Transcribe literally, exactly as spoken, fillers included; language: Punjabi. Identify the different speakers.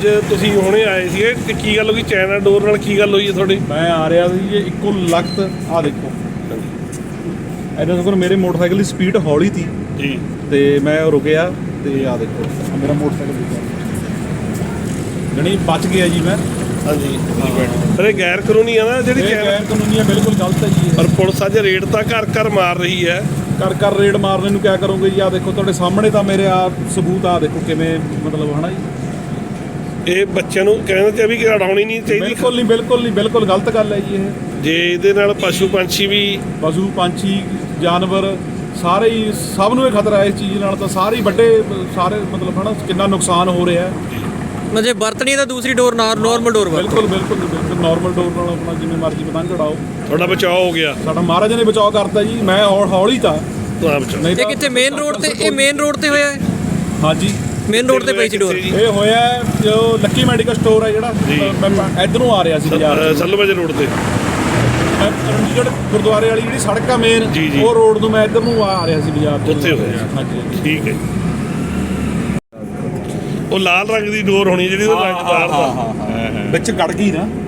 Speaker 1: ਅੱਜ ਤੁਸੀਂ ਹੁਣੇ ਆਏ ਸੀਗੇ ਤੇ ਕੀ ਗੱਲ ਹੋ ਗਈ ਚਾਈਨਾ ਡੋਰ ਨਾਲ ਕੀ ਗੱਲ ਹੋਈ ਹੈ ਤੁਹਾਡੀ?
Speaker 2: ਮੈਂ ਆ ਰਿਹਾ ਸੀ ਜੀ ਇੱਕੋ ਲਖਤ ਆ ਦੇਖੋ ਇਹਨਾਂ ਕੋਲ ਮੇਰੇ ਮੋਟਰਸਾਈਕਲ ਦੀ ਸਪੀਡ ਹੌਲੀ ਸੀ
Speaker 1: ਜੀ
Speaker 2: ਤੇ ਮੈਂ ਰੁਕਿਆ ਤੇ ਆ ਦੇਖੋ ਆਹ ਮੇਰਾ ਮੋਟਰਸਾਈਕਲ ਦੇਖੋ ਜਣੀ ਬਚ ਗਿਆ ਜੀ ਮੈਂ।
Speaker 1: ਹਾਂਜੀ ਪਰ ਇਹ ਗੈਰ ਕਾਨੂੰਨੀ ਆ ਨਾ ਜਿਹੜੀ
Speaker 2: ਇਹ
Speaker 1: ਚਾਈਨਾ
Speaker 2: ਗੈਰ ਕਾਨੂੰਨੀ ਆ, ਬਿਲਕੁਲ ਗਲਤ ਹੈ ਜੀ।
Speaker 1: ਪਰ ਪੁਲਿਸ ਅੱਜ ਰੇਡ ਤਾਂ ਘਰ ਘਰ ਮਾਰ ਰਹੀ ਹੈ।
Speaker 2: ਕਰ ਕਰ ਰੇਡ ਮਾਰਨੇ ਨੂੰ ਕਿਆ ਕਰੋਗੇ ਜੀ? ਆ ਦੇਖੋ ਤੁਹਾਡੇ ਸਾਹਮਣੇ ਤਾਂ ਮੇਰੇ ਆ ਸਬੂਤ ਆ ਦੇਖੋ ਕਿਵੇਂ ਮਤਲਬ ਹਨਾ ਜੀ।
Speaker 1: ਇਹ ਬੱਚਿਆਂ ਨੂੰ ਕਹਿੰਦੇ ਤੇ ਵੀ ਕਿ ਉਡਾਉਣੀ ਨਹੀਂ ਚਾਹੀਦੀ।
Speaker 2: ਬਿਲਕੁਲ ਨਹੀਂ ਬਿਲਕੁਲ ਨਹੀਂ ਬਿਲਕੁਲ ਗਲਤ ਗੱਲ ਹੈ ਜੀ ਇਹ।
Speaker 1: ਜੇ ਇਹਦੇ ਨਾਲ ਪਸ਼ੂ ਪੰਛੀ ਵੀ
Speaker 2: ਪਸ਼ੂ ਪੰਛੀ ਜਾਨਵਰ ਸਾਰੇ ਹੀ ਸਭ ਨੂੰ ਇਹ ਖਤਰਾ ਹੈ ਇਸ ਚੀਜ਼ ਨਾਲ। ਤਾਂ ਸਾਰੇ ਹੀ ਵੱਡੇ ਸਾਰੇ ਮਤਲਬ ਹਨਾ ਕਿੰਨਾ ਨੁਕਸਾਨ ਹੋ ਰਿਹਾ
Speaker 3: ਮਤਲਬ ਵਰਤਣੀ ਤਾਂ ਦੂਸਰੀ ਡੋਰ ਨਾਲ ਨਾਰਮਲ ਡੋਰ ਵਰਤੋ।
Speaker 2: ਬਿਲਕੁਲ ਬਿਲਕੁਲ ਬਿਲਕੁਲ ਨਾਰਮਲ ਡੋਰ ਨਾਲ ਆਪਣਾ ਜਿਵੇਂ ਮਰਜ਼ੀ ਪਤੰਗ ਉਡਾਓ।
Speaker 1: ਤੁਹਾਡਾ ਬਚਾਅ ਹੋ ਗਿਆ।
Speaker 2: ਸਾਡਾ ਮਹਾਰਾਜ ਨੇ ਬਚਾਅ ਕਰਤਾ ਜੀ। ਮੈਂ ਹੌ- ਹੌਲੀ ਤਾਂ
Speaker 1: ਤਾਂ ਬਚਾਅ
Speaker 2: ਨਹੀਂ
Speaker 3: ਇਹ ਕਿੱਥੇ ਮੇਨ ਰੋਡ ਤੇ? ਇਹ ਮੇਨ ਰੋਡ ਤੇ ਹੋਇਆ ਹੈ?
Speaker 2: ਹਾਂਜੀ
Speaker 3: ਮੇਨ ਰੋਡ ਤੇ ਪਈ ਸੀ ਡੋਰ।
Speaker 2: ਇਹ ਹੋਇਆ ਜੋ ਲੱਕੀ ਮੈਡੀਕਲ ਸਟੋਰ ਹੈ ਜਿਹੜਾ ਮੈਂ ਇਧਰੋਂ ਆ ਰਿਹਾ ਸੀ ਬਾਜ਼ਾਰ
Speaker 1: ਸੱਲੂਵਾਜੇ ਰੋਡ ਤੇ
Speaker 2: ਰਣਜੀਤ ਗੁਰਦੁਆਰੇ ਵਾਲੀ ਜਿਹੜੀ ਸੜਕ ਆ ਮੇਨ
Speaker 1: ਜੀ, ਜੀ।
Speaker 2: ਉਹ ਰੋਡ ਨੂੰ ਮੈਂ ਇੱਧਰ ਨੂੰ ਆ ਰਿਹਾ ਸੀ ਬਾਜ਼ਾਰ ਤੋਂ।
Speaker 1: ਉੱਥੇ ਹੋਇਆ।
Speaker 2: ਹਾਂਜੀ ਹਾਂਜੀ।
Speaker 1: ਠੀਕ ਹੈ। ਉਹ ਲਾਲ ਰੰਗ ਦੀ ਡੋਰ ਹੋਣੀ ਜਿਹੜੀ ਉਹਦਾ ਰੰਗ ਤਾਰਦਾ।
Speaker 2: ਵਿੱਚ ਗੜ ਗਈ ਨਾ।